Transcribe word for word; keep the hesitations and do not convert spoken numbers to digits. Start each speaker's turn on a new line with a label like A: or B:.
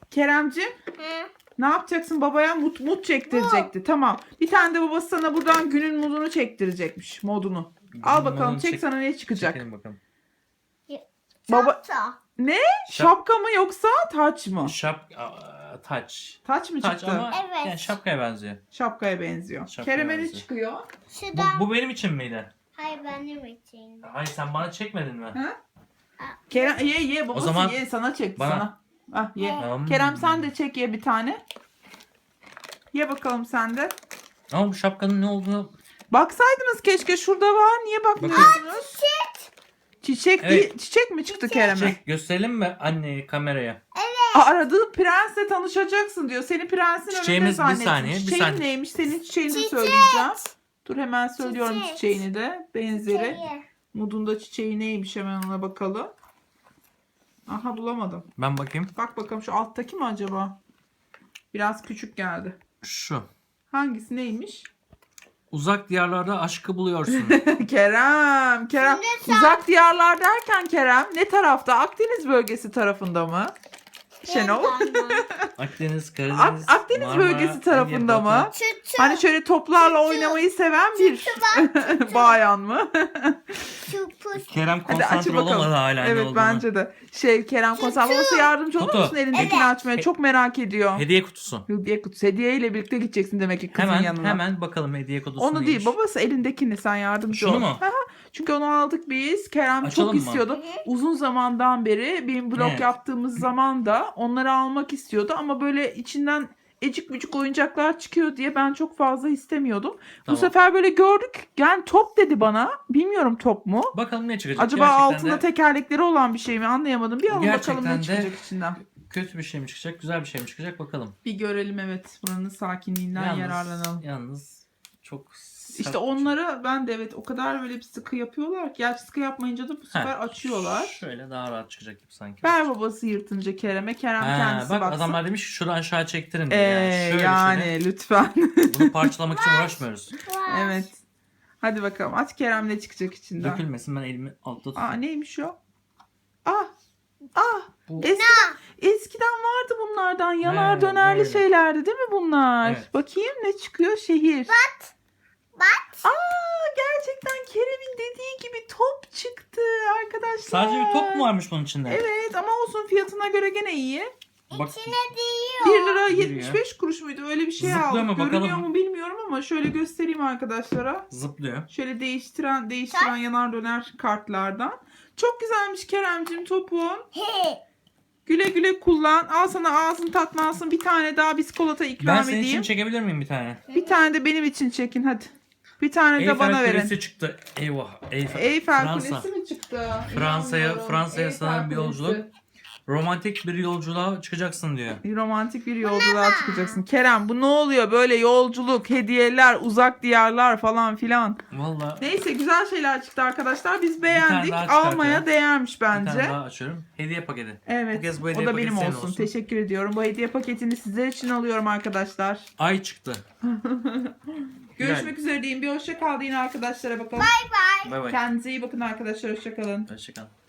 A: Keremciğim
B: Hı.
A: ne yapacaksın? Babaya mut mut çektirecekti. Tamam. Bir tane de babası sana buradan günün modunu çektirecekmiş. Modunu. Al bakalım
C: modunu
A: çek,
C: çek-
A: sana ne çıkacak?
C: Çekelim bakalım.
A: Baba
B: Çapta.
A: ne?
C: Şap-
A: Şapka mı yoksa taç mı?
C: Şap... Aa, taç.
A: Taç mı
C: Taç
A: çıktı?
C: ama
B: Evet.
C: yani şapkaya benziyor.
A: Şapkaya benziyor.
C: Şapkaya
A: Kerem'e ne
C: benziyor.
A: çıkıyor?
C: Bu,
B: Şuradan.
C: bu benim için miydi?
B: Hayır benim için.
C: Hayır sen bana çekmedin mi?
A: Ha? Kerem ye ye babası
C: zaman
A: ye sana çekti
C: bana-
A: sana. Ah ye.
C: Hmm.
A: Kerem sen de çek ye bir tane. Ye bakalım sen de.
C: Ama bu şapkanın ne olduğunu...
A: Baksaydınız keşke şurada var. Niye bakmıyorsunuz? Çiçek
C: Evet.
A: değil, çiçek mi çıktı Kerem'e?
C: Çek gösterelim mi anneye kameraya?
A: Aa, aradığı prensle tanışacaksın diyor. Seni prensin önünde
C: Çiçeğimiz bir
A: zannetmiş.
C: saniye, bir
A: Çiçeğin
C: saniye.
A: neymiş? Senin çiçeğini de
B: Çiçek.
A: söyleyeceğim. Dur hemen söylüyorum
B: Çiçek.
A: çiçeğini de. Benzeri.
B: Çiçeği.
A: Mudunda çiçeği neymiş hemen ona bakalım. Aha bulamadım.
C: Ben bakayım.
A: Bak bakalım şu alttaki mi acaba? Biraz küçük geldi.
C: Şu.
A: Hangisi neymiş?
C: Uzak diyarlarda aşkı buluyorsun.
A: Kerem, Kerem.
B: Şimdi sen-
A: Uzak diyarlar derken Kerem ne tarafta? Akdeniz bölgesi tarafında mı? Şenol.
C: Akdeniz,
A: Ak-
C: Karadeniz,
A: Akdeniz
C: Marmara,
A: bölgesi tarafında
C: Ege,
A: mı?
C: Batı.
B: Çıtı.
A: Hani şöyle toplarla oynamayı seven bir bayan mı?
B: Çupus.
C: Kerem
A: Hadi açın
C: konsantre
A: bakalım.
C: olamadı hala ne
A: Evet
C: olduğunu.
A: bence de. Şey Kerem konser babası yardımcı olur
C: Kutu.
A: musun elindekini
B: Evet.
A: açmaya? Çok merak ediyor.
C: Hediye kutusu.
A: Hediye kutusu. Hediyeyle birlikte gideceksin demek ki kızın
C: Hemen
A: yanına.
C: hemen bakalım hediye kutusu
A: Onu
C: neymiş.
A: değil babası elindekini sen yardımcı
C: Şunu
A: ol.
C: mu?
A: Hı hı. Çünkü onu aldık biz. Kerem
C: Açalım
A: çok
C: mı?
A: istiyordu.
B: Hı hı.
A: Uzun zamandan beri benim blog
C: Evet.
A: yaptığımız zaman da onları almak istiyordu. Ama böyle içinden ecik bücük oyuncaklar çıkıyor diye ben çok fazla istemiyordum. Bu
C: Tamam.
A: sefer böyle gördük. Yani top dedi bana. Bilmiyorum top mu?
C: Bakalım ne çıkacak.
A: Acaba
C: Gerçekten
A: altında
C: de
A: tekerlekleri olan bir şey mi anlayamadım. Bir alın
C: Gerçekten
A: bakalım ne
C: de-
A: çıkacak içinden.
C: kötü bir şey mi çıkacak, güzel bir şey mi çıkacak bakalım.
A: Bir görelim evet. Buranın sakinliğinden yararlanalım.
C: Yalnız çok sert
A: İşte
C: bir şey.
A: onları ben de evet o kadar böyle bir sıkı yapıyorlar ki. Gerçi sıkı yapmayınca da bu sefer
C: Heh,
A: açıyorlar.
C: Şöyle daha rahat çıkacak gibi sanki.
A: Ver babası yırtınca Kerem'e. Kerem
C: Ha,
A: kendisi
C: bak
A: baksın.
C: adamlar demiş ki şunu aşağı çektirin diye.
A: Ee,
C: yani şöyle
A: yani
C: şöyle.
A: lütfen.
C: Bunu parçalamak için uğraşmıyoruz.
A: Evet. Hadi bakalım aç Kerem ne çıkacak içinden.
C: Dökülmesin, ben elimi altta
A: Aa
C: tutayım.
A: neymiş o? Ah. Ah.
C: Bu-
A: Eskiden, eskiden vardı bunlardan. Yanar
C: Evet,
A: dönerli
C: böyle.
A: şeylerdi değil mi bunlar?
C: Evet.
A: Bakayım ne çıkıyor? Şehir.
B: Bat. Bat.
A: Aa gerçekten Kerem'in dediği gibi top çıktı arkadaşlar.
C: Sadece bir top mu varmış bunun içinde?
A: Evet ama olsun fiyatına göre gene iyi.
C: Bak,
B: İçine değiyor.
A: bir lira
C: Giriyor.
A: yetmiş beş kuruş muydu? Öyle bir şey
C: Zıplıyor
A: aldık.
C: mu?
A: Görünüyor
C: Bakalım.
A: mu bilmiyorum ama şöyle göstereyim arkadaşlara.
C: zıplıyor.
A: Şöyle değiştiren değiştiren yanar döner kartlardan. Çok güzelmiş Keremcim topun.
B: He.
A: Güle güle kullan. Al sana ağzın tatlansın. Bir tane daha biskolata ikram
C: Ben senin
A: edeyim.
C: için çekebilir miyim bir tane?
A: Bir tane de benim için çekin hadi. Bir tane de bana
C: Eyfel
A: verin.
C: Kulesi çıktı. Eyvah. Eyfel,
A: Eyfel
C: Fransa.
A: Kulesi mi çıktı?
C: Fransa'ya-
A: İnanmıyorum.
C: Fransa'ya
A: Eyfel
C: sanırım bir
A: Kulesi.
C: yolculuk. Romantik bir yolculuğa çıkacaksın diyor.
A: Bir romantik bir yolculuğa çıkacaksın. Kerem bu ne oluyor böyle yolculuk, hediyeler, uzak diyarlar falan filan.
C: Valla
A: Neyse güzel şeyler çıktı arkadaşlar. Biz beğendik.
C: daha çıkartalım.
A: Almaya değermiş
C: bir tane
A: bence.
C: daha açıyorum. Hediye paketi.
A: Evet.
C: Bu kez bu
A: O
C: hediye
A: da
C: paketi
A: benim
C: senin
A: olsun.
C: olsun.
A: Teşekkür ediyorum. Bu hediye paketini sizler için alıyorum arkadaşlar.
C: Ay çıktı.
A: Görüşmek üzere diyeyim. Bir hoşça kal deyin arkadaşlara bakalım.
B: Bye bye.
C: Bay bay.
A: Kendinize iyi bakın arkadaşlar. Hoşça kalın.
C: Hoşçakal.